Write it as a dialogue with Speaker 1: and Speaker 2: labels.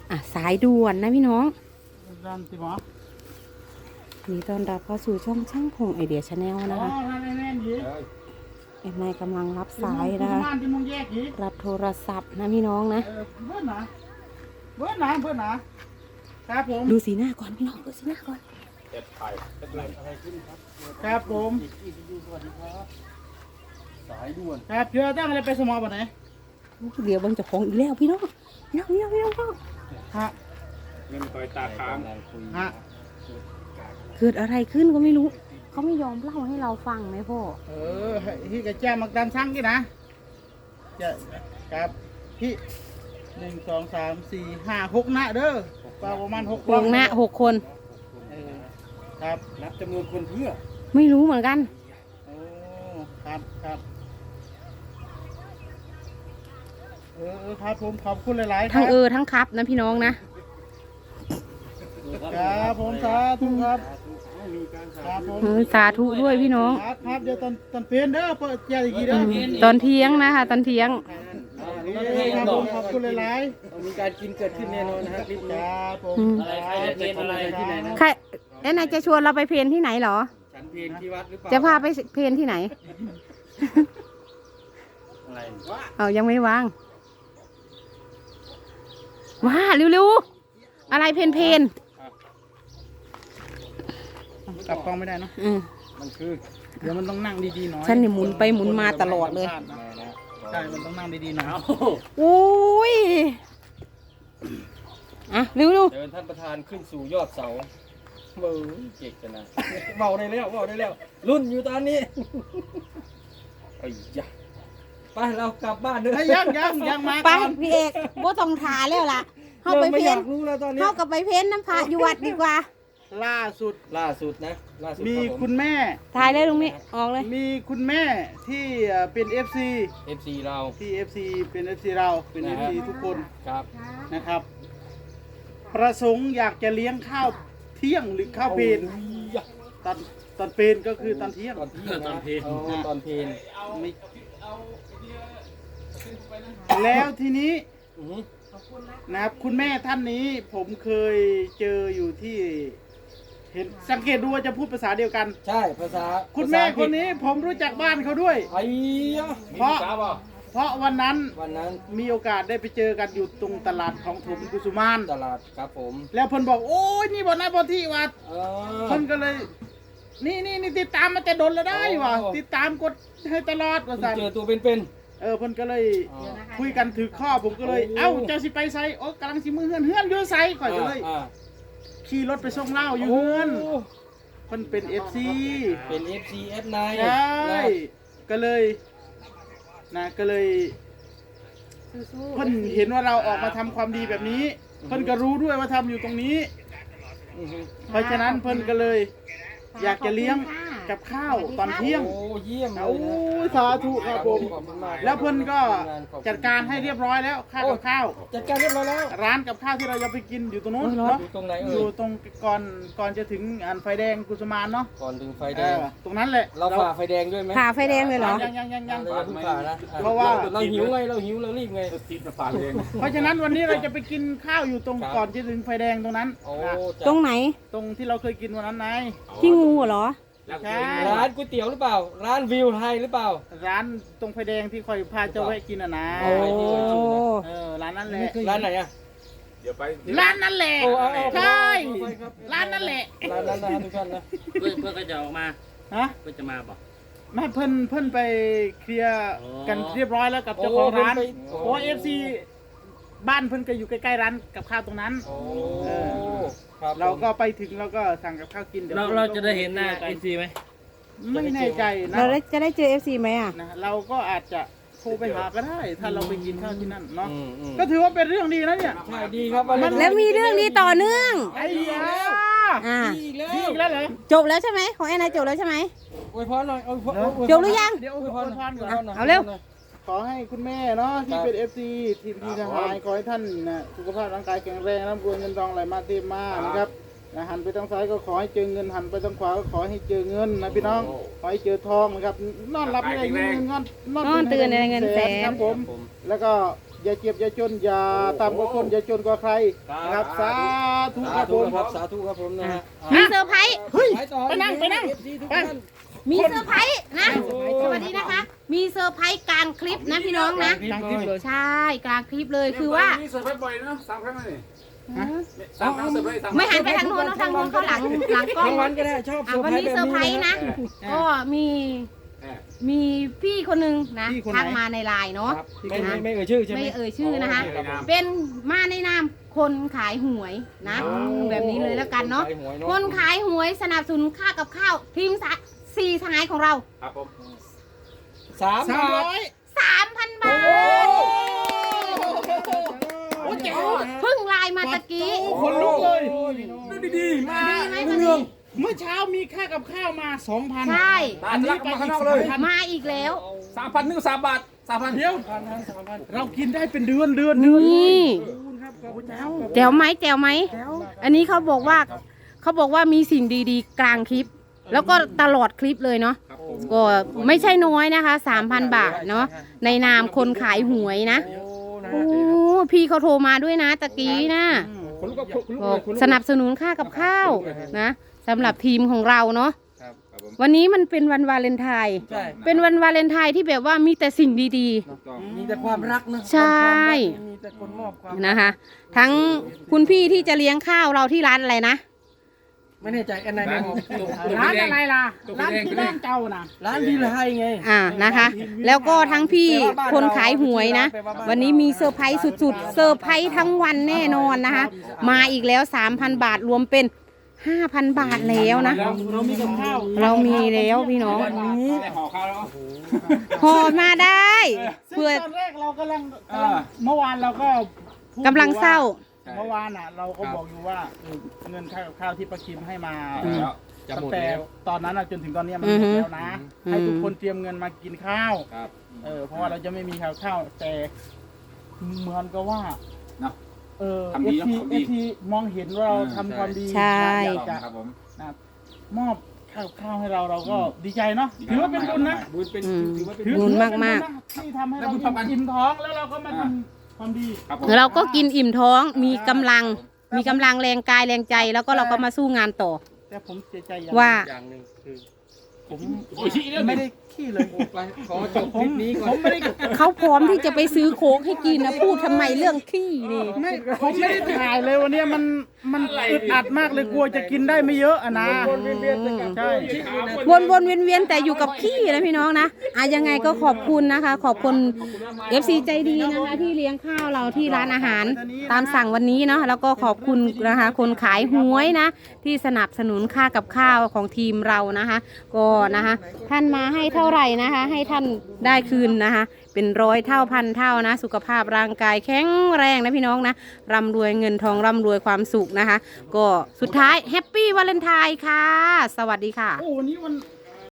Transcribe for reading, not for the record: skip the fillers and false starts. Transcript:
Speaker 1: สายด่วนนะพี่น้อง
Speaker 2: ดันสิหมอ
Speaker 1: นี่ต้อนรับเข้าสู่ช่องช่างพงไอเดียชาแนลนะคะ
Speaker 2: ท่านแม่นยี
Speaker 1: เอ็มไอกำลังรับสายนะคะ
Speaker 2: ที่มึงแยกยี
Speaker 1: รับโทรศัพท์นะพี่น้องนะ
Speaker 2: เพื่อนนะครับผม
Speaker 1: ดูสีหน้าก่อนพี่น้องดูสีหน้าก่อน
Speaker 2: ครับผม
Speaker 3: สายด่วน
Speaker 2: ครับเพื่อตั้งอะไรไปสมอบ่ไหน
Speaker 1: เดี๋ยวเบังเจะของอีกแล้วพี่น้องพี่น้อง
Speaker 2: ฮะ
Speaker 3: เงินคอยตาค้าง
Speaker 2: ฮะ
Speaker 1: เกิดอะไรขึ้นก็ไม่รู้เขาไม่ยอมเล่าให้เราฟังไหมพ่อ
Speaker 2: พี่กระแจมักดันช่างกี่นะจะครับพี่1 2 3 4 5 6นะเด้อประมาณ6
Speaker 1: วงหน้า6 คน
Speaker 2: ครับ
Speaker 3: นับจำนวนคนเพื่อ
Speaker 1: ไม่รู้เหมือนกัน
Speaker 2: โอ้ครับครับผมขอบคุณหลายๆค
Speaker 1: ทั้
Speaker 2: รั
Speaker 1: งทั้งครับนะพี่น้องนะครับ
Speaker 2: ผมสาธุครับ
Speaker 3: มีการสา
Speaker 2: ครับผม
Speaker 1: สาธุด้วยพี่น้อง
Speaker 2: ครับเดี๋ยวตอนเพลนเด้อเปิดเจ้าอีกทีเด้อ
Speaker 1: ตอนเที่ยงนะคะตอนเที่ยง
Speaker 2: ครับผมขอบคุณหลาย
Speaker 3: มีการกินเกิดขึ้นแน่นอนนะครับคลิป
Speaker 2: ๆค
Speaker 3: นี้
Speaker 2: รับผม
Speaker 3: ใครจะเพลนอะไรที่ไหนนะ
Speaker 1: ใครนายจะชวนเราไปเพลนที่ไหนเหรอ
Speaker 3: ฉันเพลนที่วัดหรือเปล่า
Speaker 1: จะพาไปเพลนที่ไหน
Speaker 3: อะไร
Speaker 1: เอายังไม่วางว้าเร็วๆอะไรเพน
Speaker 2: กลับกล้องไม่ได้เนาะ
Speaker 3: มันคือ
Speaker 2: เดี๋ยวมันต้องนั่งดีๆหน่อย
Speaker 1: ฉันนี่หมุนไปหมุนมาตลอดเลย
Speaker 2: ใช่มันต้องนั่งดีๆหน่อย
Speaker 1: อุ้ยเร็ว
Speaker 3: เดินท่านประธานขึ้นสู่ยอดเสาเบอเก่งจังนะเบาได้แล้วรุ่นอยู่ตอนนี้ไอ้ยะไปเรากลับบ้านเด้อ
Speaker 2: เฮ้ยยังมา
Speaker 1: ๆไป
Speaker 2: ก่อน
Speaker 1: พี่เอกบ่ต้องทาแล้วล่ะเข้าไป
Speaker 3: ไม่
Speaker 1: เพ
Speaker 3: อน ยากรู้แล้วตอนนี้
Speaker 1: เข้ากับไปเพนน้ำพระอยู่วัดดีกว่า
Speaker 2: ล่าสุด
Speaker 3: ล่าสุดนะล่าสุด
Speaker 2: มี
Speaker 3: รับผ
Speaker 2: คุณแม่
Speaker 1: ถ่ายเลยลุงมิออกเลย
Speaker 2: มีคุณแม่ที่เป็น FC
Speaker 3: FC เรา
Speaker 2: ที่ FC เป็น FC เราเป็น
Speaker 3: นะฮะ
Speaker 2: FC ทุกคน
Speaker 3: ครับ
Speaker 2: นะครับ ประสงค์อยากจะเลี้ยงข้าวเที่ยงหรือข้าวเพลนตอนเพลนก็คือตอนเที่ยง
Speaker 3: ตอนที่ตอนเพลนตอนเพลน
Speaker 2: ไม่แล้วทีนี้นะครับคุณแม่ท่านนี้ผมเคยเจออยู่ที่เห็นสังเกตดูว่าจะพูดภาษาเดียวกัน
Speaker 3: ใช่ภาษา
Speaker 2: คุณแม่คนนี้ผมรู้จักบ้านเขาด้วย
Speaker 3: ไอ้ยะ
Speaker 2: เพราะวันนั้น
Speaker 3: วันนั้น
Speaker 2: มีโอกาสได้ไปเจอกันอยู่ตรงตลาดของถมกุสุมาน
Speaker 3: ตลาดครับผม
Speaker 2: แล้วเพิ่นบอกโอ้ยนี่บ่นะบ่ที่วัด
Speaker 3: เอ
Speaker 2: เพิ่นก็เลย นี่ติดตามมาแต่ดนแล้วได้ว่ะติดตามกดให้ตลอดว่าซั่น
Speaker 3: เจอตัวเป็น
Speaker 2: เพิ่นก็เลย
Speaker 3: ๆอ๋อ
Speaker 2: คุยกันถือข้อผมก็เลย
Speaker 3: โอ้
Speaker 2: เอ้าเจ้าสิไปไสโอ้กำลังสิมือเฮือนอยู่ไสข่อยก็เลย
Speaker 3: อ่า
Speaker 2: ขี่รถไปส่งเหล้าอยู่
Speaker 3: โอ้
Speaker 2: เฮือนเพิ่นเป็น FC
Speaker 3: เป็น FC F9
Speaker 2: ใช่ก็เลยก็เลยเพิ่นเห็นว่าเราออกมาทำความดีแบบนี้ เพิ่นก็รู้ด้วยว่าทำอยู่ตรงนี้
Speaker 3: อือฮึ
Speaker 2: เพราะฉะนั้นเพิ่นก็เลย อยากจะเลี้ยงกับข้าวตอนเที่ยง
Speaker 3: โอ้เยี่ยมเล
Speaker 2: โอ้
Speaker 3: ยนะ
Speaker 2: ยสาธุครับผม
Speaker 3: ขอบคุณมาก
Speaker 2: แล้วเพิ่นก็จัดการให้เรียบร้อยแล้วค่ากับข้าว
Speaker 3: จัดการเรียบร้อยแล้ว
Speaker 2: ร้านกับข้าวที่เราจะไปกินอยู่ตรงนู้น
Speaker 1: โอ้ยรถ
Speaker 2: เนาะ
Speaker 3: อยู่ตรงไหน
Speaker 2: อ
Speaker 3: เอ่
Speaker 2: ยู่
Speaker 3: ย
Speaker 2: ตรงก่อนจะถึงอันไฟแดงกุสุมานเนาะ
Speaker 3: ก่อนถึงไฟแดง
Speaker 2: ตรงนั้นแหละ
Speaker 3: เราฝ่าไฟแดงด้วยไหม
Speaker 1: ผ่าไฟแดงเลยเหรอ
Speaker 2: ยัง
Speaker 3: เราอย่าเพิ่งฝ่านะ
Speaker 2: เพราะว่า
Speaker 3: เราหิวไงเรารีบไง
Speaker 2: เพราะฉะนั้นวันนี้เราจะไปกินข้าวอยู่ตรง
Speaker 3: ครับ
Speaker 2: ก่อนจะถึงไฟแดงตรงนั้น
Speaker 3: โอ้
Speaker 2: นะ
Speaker 3: จัด
Speaker 1: ตรงไหน
Speaker 2: ตรงที่เราเคยกินวันนั้นไง
Speaker 1: ที่งูเหรอ
Speaker 2: ใช่
Speaker 3: ร้านก๋วยเตี๋ยวหรือเปล่า ร้านวิวไทยหรือเปล่า
Speaker 2: ร้านตรงไฟแดงที่คอยพาเจ้าแวะกินอ่ะนะ
Speaker 1: โอ้
Speaker 2: ร้านนั้นแหละ
Speaker 3: ร้านไหนอ่ะ
Speaker 2: ร้านนั้นแหละ
Speaker 3: โอ้เอา
Speaker 2: ใช่
Speaker 3: ครับ
Speaker 2: ร้านนั้นแหละ
Speaker 3: ร้านนั้นนะทุกท่านนะ
Speaker 4: เพื่อนก็จะออกมา
Speaker 2: ฮะ
Speaker 4: เพื่อนจะมาบอก
Speaker 2: ไม่เพิ่นไปเคลียร์
Speaker 4: อ๋อ
Speaker 2: กันเรียบร้อยแล้วกับเจ้าของร้าน
Speaker 3: โอ้
Speaker 2: เพราะว่า FC บ้านเพิ่นก็อยู่ใกล้ๆร้านกับข้าวตรงนั้น
Speaker 3: โอ้
Speaker 2: เออ
Speaker 3: ครับ
Speaker 2: เราก็ไปถึงเราก็สั่งกับข้าวกินเดี๋ยว
Speaker 4: เราจะได้เห็นหน้าเอซีไหม
Speaker 2: ไม่แน่ใจนะ
Speaker 1: เราจะได้เจอ FC ไหมอ่ะ
Speaker 2: นะเราก็อาจจะโทรไปหาก็ได้ ถ้าเราไปกินข้าวที่นั่นเนาะ
Speaker 3: อืม
Speaker 2: ก็ถือว่าเป็นเรื่องดีนะเนี่ย
Speaker 3: ใช่ดีครับวันนี้
Speaker 1: แล้วมีเรื่องนี้ต่อเนื่อง
Speaker 2: ไอ้เหี้ย
Speaker 1: อ่า
Speaker 3: ดีอีกแล้ว
Speaker 2: ดีอีกแล้วเหรอ
Speaker 1: จบแล้วใช่ไหมของแอนนาจบแล้วใช่ไหม
Speaker 3: อวยพรหน่อยอวยพร
Speaker 1: จบหรือยัง
Speaker 2: เดี๋ยว
Speaker 3: อวยพร
Speaker 2: พรก่อน
Speaker 3: หน่ย
Speaker 1: เอาเร็ว
Speaker 2: ขอให้คุณแม่เนาะที่เป็น FC ทีมที่ทหารขอให้ท่านนะสุขภาพร่างกายแข็งแรงร่ำรวยเงินทองไหลมาเต็มมานะครับนะหันไปทางซ้ายก็ขอให้เจอเงินหันไปทางขวาก็ขอให้เจอเงินนะพี่น้องขอให้เจอทองนะครับนอนหลับไม่ได้เงินนอน
Speaker 1: นอนตื่นในเงินแสน
Speaker 2: ครับผมแล้วก็อย่าเจ็บอย่าจนอย่าต่ำกว่าคนอย่าจนกว่าใครนะครับสาธุค
Speaker 3: สา
Speaker 2: รับผ
Speaker 3: ธุ
Speaker 2: ม
Speaker 3: ครับสาธุครับผมนะฮะ
Speaker 1: มีเซอร์ไพรส์
Speaker 2: เฮ้ย
Speaker 3: ไปต่อ
Speaker 2: ไปนั่ง
Speaker 3: ไป
Speaker 1: มีเซอร์ไพรส์นะ สวัสดีนะคะ มีเซอร์ไพรส์กลางคลิปนะพี่น้องนะ
Speaker 2: กลางคลิปเลย
Speaker 1: ใช่กลางคลิปเลยคือว่า
Speaker 5: นี่เสิร์ฟบ่อยๆนะสามครั้งเลย
Speaker 2: ฮะ
Speaker 5: สามครั้งเสิร์ฟเลยสาม
Speaker 1: ไม่หันไปทางโน้นนะทางโน้นเขาหลังกล้อง
Speaker 3: รางวัลก็ได้ชอบ
Speaker 1: วันนี้เซอร์ไพรส์นะ ก็มีพี่คนหนึงนะทักมาในไลน์เนาะ
Speaker 3: ไม่เอ่ยชื่อใช่ไหม
Speaker 1: ไม่เอ่ยชื่อนะคะ เป็นมาในนามคนขายหวยนะ แบบนี้เลยแล้วกันเนาะ คนขายหวยสนับสนุนค่ากับข้าวทีมสี่สหายของเรา
Speaker 5: ครับผม
Speaker 3: 3 บาท
Speaker 1: 3,000 บาทเพิ่งไลน์มาตะกี้
Speaker 2: คนลุกเลย
Speaker 5: ดูดีๆมา
Speaker 1: ดีไหมวันนี้
Speaker 2: เมื่อเช้ามีค่ากับข้าวมา 2,000
Speaker 1: ใช่
Speaker 5: ตาทะลักมาข้างนอกเลย
Speaker 1: มาอีกแล้ว
Speaker 5: 3,000นึก3 บาท 3,000
Speaker 2: เดี๋ยวเรากินได้เป็นเดือนเลย
Speaker 1: นี่
Speaker 2: ครับขอบคุณครับ
Speaker 1: แจ๋วไหมแจ๋วไหม อันนี้เขาบอกว่ามีสิ่งดีๆ กลางคลิป แล้วก็ตลอดคลิปเลยเนาะ ก็ไม่ใช่น้อยนะคะ 3,000 บาทเนาะ ในนามคนขายหวยนะ โอ้พี่เขาโทรมาด้วยนะตะกี้นะ
Speaker 3: คนลุกก็คนลุก
Speaker 1: ก็
Speaker 3: เลยคนลุก
Speaker 1: สนับสนุนค่ากับข้าวนะสำหรับทีมของเราเนาะ
Speaker 5: ครับผม
Speaker 1: วันนี้มันเป็นวันวาเลนไทน์
Speaker 3: ใช่
Speaker 1: เป็นวันวาเลนไทน์ที่แบบว่ามีแต่สิ่งดี
Speaker 5: ถูกต้อง
Speaker 3: มีแต่ความรักนะ
Speaker 1: ใช่
Speaker 3: มีแต่คนมอบความ
Speaker 1: ๆนะคะ ทั้งคุณพี่ที่จะเลี้ยงข้าวเราที่ร้านอะไรนะ
Speaker 3: ไม่แน่ใจอันไหนไม่มอบ
Speaker 2: ร้านอะไรล่ะ ร้านที่บ้านเจ้านะ
Speaker 3: ร้านดีไลไง
Speaker 1: นะคะ แล้วก็ทั้งพี่คนขายหวยนะ วันนี้มีเซอร์ไพรส์สุดๆ เซอร์ไพรส์ทั้งวันแน่นอนนะคะ มาอีกแล้ว 3,000 บาทรวมเป็น 5,000 บาทแล้วนะ
Speaker 2: เรามีกับข้าว
Speaker 1: เรามีแล้วพี่น้อง
Speaker 5: ได้ห่อข้าวแล้ว
Speaker 1: ห่อมาได้
Speaker 2: ซึ่ง
Speaker 1: เพื่อ
Speaker 2: ตอนแรกเรากำลังเมื่อวานเราก็พูด
Speaker 1: กำลังเศร้า
Speaker 2: เมื่อวานอ่ะ เราก็บอกอยู่ว่าเงินค่ากับข้าวที่ประคิมให้มา
Speaker 5: แล้ว
Speaker 3: จะ
Speaker 2: ตั้
Speaker 3: หม
Speaker 2: ง
Speaker 3: ด
Speaker 2: แต่
Speaker 3: แล้ว
Speaker 2: ตอนนั้นอะจนถึงตอนเนี้ยมัน
Speaker 1: อือ
Speaker 2: หม
Speaker 1: ฮึ
Speaker 2: ดแล้วนะ ให้ทุกคนเตรียมเงินมากินข้าว
Speaker 5: ครับ
Speaker 2: เพราะว่าเราจะไม่มีข้าวแต่เหมือนกับว่า
Speaker 5: เนาะ
Speaker 2: เออ
Speaker 5: ทำดี
Speaker 2: เอ
Speaker 5: เนอะ
Speaker 2: ที
Speaker 5: ทำ
Speaker 2: เอ
Speaker 5: ดี
Speaker 2: ทีมองเห็นว่าเราทำความดี
Speaker 1: ใช่
Speaker 2: อยากจะ
Speaker 5: ครับผม
Speaker 2: มอบข้าวให้เราก็ดีใจเนาะถือว่าเป็นบุญนะ
Speaker 3: บุญเป็นถือว่าเป็น
Speaker 1: บุญมาก
Speaker 2: นะที่ทำให้เราอิ่มท้องแล้วเราก็มาทำความดี
Speaker 5: ครับผม
Speaker 1: ๆ เราก็กินอิ่มท้องมีกำลังแรงกายแรงใจ แล้วก็เราก็มาสู้งานต่อ
Speaker 2: แต่ผมเสียใจอย่าง
Speaker 1: ว่า
Speaker 3: อย่างหนึ่งคือ
Speaker 2: ผม
Speaker 5: โอ้ยชี้เรื่อง
Speaker 2: ไม่
Speaker 5: นี้
Speaker 2: ได้ขี้เลย
Speaker 3: ไปขอจบคลิปนี้ก่อน
Speaker 2: ผมไม่ได้
Speaker 1: เขาพร้อมที่จะไปซื้อโค้กให้กินนะพูดทำไมเรื่องขี้นี่
Speaker 2: ผมไม่ได้ถ่ายเลยวันนี้มันอึดอัดมากเลยกลัวจะกินได้ไม่เยอะอะนะ ใช่
Speaker 1: วนเวียนแต่อยู่กับขี้นะพี่น้องนะยังไงก็ขอบคุณนะคะ ขอบคุณ FC ใจดีนะคะ ที่เลี้ยงข้าวเราที่ร้านอาหารตามสั่งวันนี้เนาะแล้วก็ขอบคุณนะคะ คนขายหวยนะ ที่สนับสนุนค่ากับข้าวของทีมเรานะคะ ก็นะคะ ท่านมาให้เท่าไหร่นะคะ ให้ท่านได้คืนนะคะ เป็น100 เท่าพันเท่านะ สุขภาพร่างกายแข็งแรงนะพี่น้องนะร่ำรวยเงินทองร่ำรวยความสุขนะคะ ก็สุดท้ายแฮปปี้วาเลนไทน์ค่ะ สวัสดีค่ะ
Speaker 2: โอ้วันนี้วัน